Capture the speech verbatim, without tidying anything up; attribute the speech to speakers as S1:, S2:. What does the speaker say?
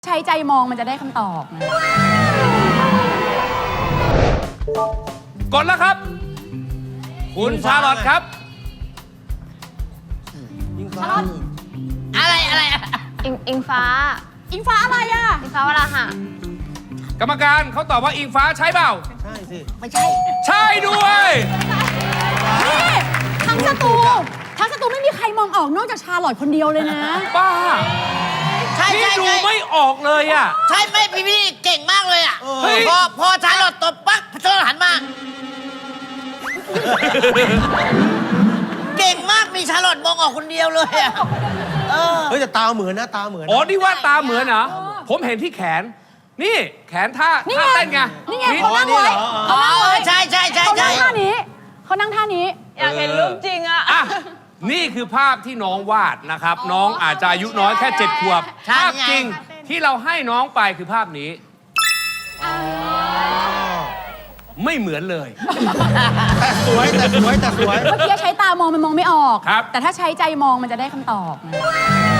S1: ใช้ใจมองมันจะได้คำตอบนะ
S2: กดแล้วครับ คุณชาลอตครับ
S1: ชาลอต
S3: อะไรอะไรอะ
S4: อิงอิงฟ้า
S1: อิงฟ้าอะไรอ่ะ
S4: อิงฟ้าวราหะ
S2: กรรมการเขาตอบว่าอิงฟ้าใช่เปล่า
S5: ใช่สิ
S3: ไม่ใช่
S2: ใช่ด้วย
S1: นี่ทั้งสตูทั้งสตูไม่มีใครมองออกนอกจากชาลอตคนเดียวเลยนะ
S2: ป้า
S3: ใช่
S2: พี่
S3: ใช่
S2: ดู
S3: ใช่
S2: ไม่ออกเลยอ่ะ
S3: ใช่ไหมพี่พี่เก่งมากเลยอ่ะ
S2: เฮ้ย
S3: พอพอชาลอตตบปั๊บชาลอตหันมา เก่งมากมีชาลอตมองออกคนเดียวเลยอ่ะเออ
S5: เฮ้ยแต่ตาเหมือนนะตาเหมือนนะ
S2: อ๋อนี่ว่าตาเหมือนเหรอผมเห็นที่แขน นี่แขนท่า
S1: นี่
S2: ท่า
S1: ไง
S2: เต้นไง
S1: นี่ไงเขานั่งไว้
S3: อ๋อใช่ใช่ใช่
S1: เขา
S3: ใช่
S1: นั่งท่านี้เขานั่งท่านี้
S4: อยากเห็นรูปจริงอะ
S2: อ่ะนี่คือภาพที่น้องวาดนะครับ น้องอาจจะอายุน้อยแค่เจ็ดขวบ
S3: ใช่
S2: ภาพ
S3: ไง
S2: จริงที่เราให้น้องไปคือภาพนี้ ไม่เหมือนเลย
S5: แต่สวยแต่สวยแต่สวย
S1: เมื่อกี้ใช้ตามองมันมองไม่ออก
S2: ครับ
S1: แต่ถ้าใช้ใจมองมันจะได้คำตอบนะ